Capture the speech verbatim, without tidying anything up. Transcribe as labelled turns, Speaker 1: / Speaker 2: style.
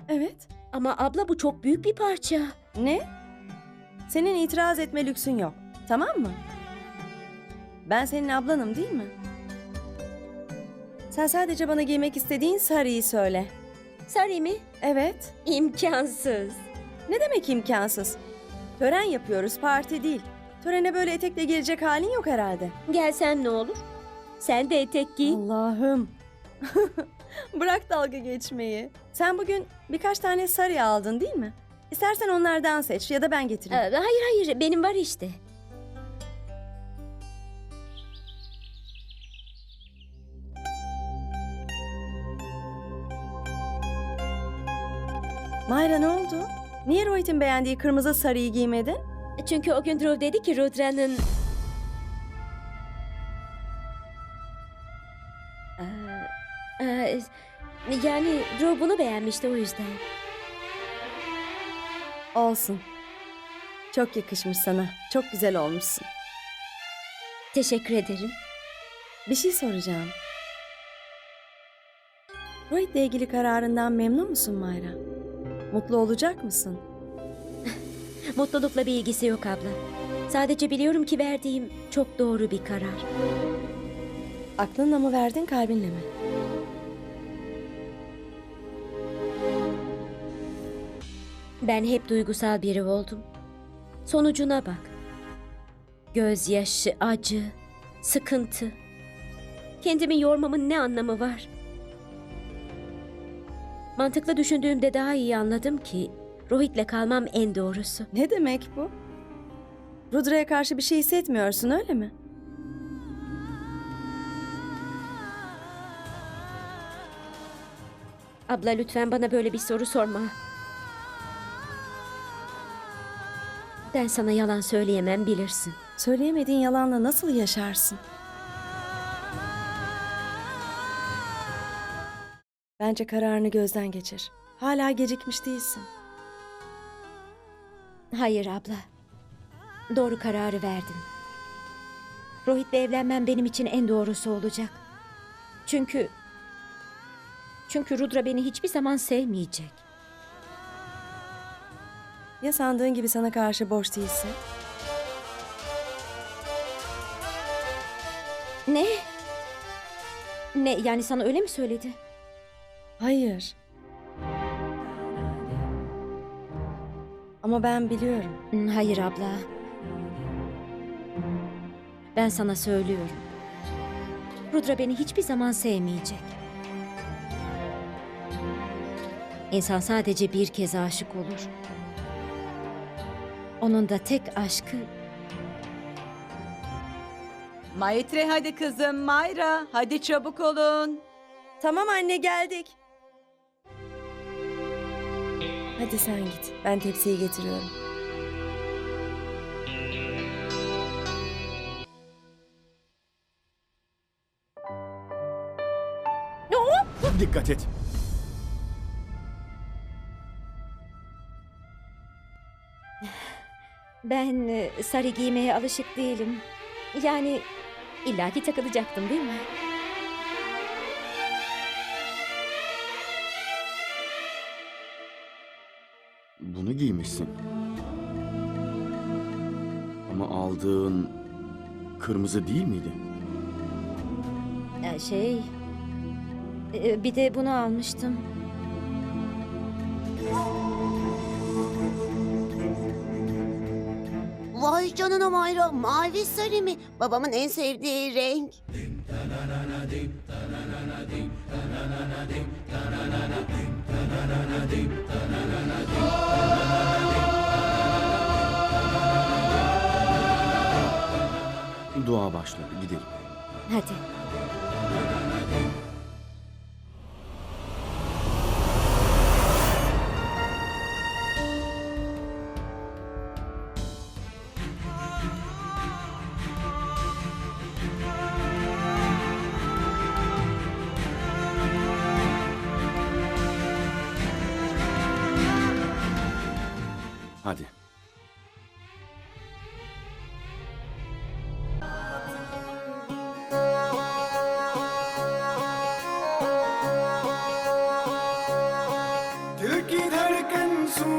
Speaker 1: Evet.
Speaker 2: Ama abla bu çok büyük bir parça.
Speaker 1: Ne? Senin itiraz etme lüksün yok. Tamam mı? Ben senin ablanım değil mi? Sen sadece bana giymek istediğin sarıyı söyle.
Speaker 2: Sarı mı?
Speaker 1: Evet.
Speaker 2: İmkansız.
Speaker 1: Ne demek imkansız? Tören yapıyoruz, parti değil. Törene böyle etekle gelecek halin yok herhalde.
Speaker 2: Gelsen ne olur? Sen de etek giy.
Speaker 1: Allah'ım. Bırak dalga geçmeyi. Sen bugün birkaç tane sarı aldın değil mi? İstersen onlardan seç ya da ben
Speaker 2: Ee,
Speaker 1: getireyim.
Speaker 2: hayır hayır benim var işte.
Speaker 1: Mayra ne oldu? Niye Rohit'in beğendiği kırmızı sarıyı giymedin?
Speaker 2: Çünkü o gün Dhruv dedi ki Rudra'nın... Ee, e, yani Dhruv bunu beğenmişti o yüzden.
Speaker 1: Olsun. Çok yakışmış sana. Çok güzel olmuşsun.
Speaker 2: Teşekkür ederim.
Speaker 1: Bir şey soracağım. Rohit'le ilgili kararından memnun musun Mayra? Mutlu olacak mısın?
Speaker 2: Mutlulukla bir ilgisi yok abla. Sadece biliyorum ki verdiğim çok doğru bir karar.
Speaker 1: Aklınla mı verdin, kalbinle mi?
Speaker 2: Ben hep duygusal biri oldum. Sonucuna bak. Gözyaşı, acı, sıkıntı. Kendimi yormamın ne anlamı var? Mantıklı düşündüğümde daha iyi anladım ki Rohit'le kalmam en doğrusu.
Speaker 1: Ne demek bu? Rudra'ya karşı bir şey hissetmiyorsun, öyle mi?
Speaker 2: Abla lütfen bana böyle bir soru sorma. Ben sana yalan söyleyemem bilirsin.
Speaker 1: Söyleyemediğin yalanla nasıl yaşarsın? Bence kararını gözden geçir. Hala gecikmiş değilsin.
Speaker 2: Hayır abla. Doğru kararı verdim. Rohit'le evlenmem benim için en doğrusu olacak. Çünkü... Çünkü Rudra beni hiçbir zaman sevmeyecek.
Speaker 1: Ya sandığın gibi sana karşı boş değilse?
Speaker 2: Ne? Ne yani sana öyle mi söyledi?
Speaker 1: Hayır. Ama ben biliyorum.
Speaker 2: Hmm, Hayır abla. Ben sana söylüyorum. Rudra beni hiçbir zaman sevmeyecek. İnsan sadece bir kez aşık olur. Onun da tek aşkı
Speaker 3: Maitre hadi kızım, Mayra hadi çabuk olun.
Speaker 1: Tamam anne, geldik. Hadi sen git. Ben tepsiyi getiriyorum.
Speaker 4: Dikkat et.
Speaker 2: ben e, sarı giymeye alışık değilim. Yani illaki takılacaktım değil mi?
Speaker 4: Bunu giymişsin. Ama aldığın kırmızı değil miydi?
Speaker 2: Ee, Şey... e, Bir de bunu almıştım.
Speaker 5: Vay canına Mayra, mavi sarı mı? Babamın en sevdiği renk.
Speaker 4: Dua başladı. Gidelim.
Speaker 2: Hadi.
Speaker 4: Hadi.
Speaker 6: दिल की olsun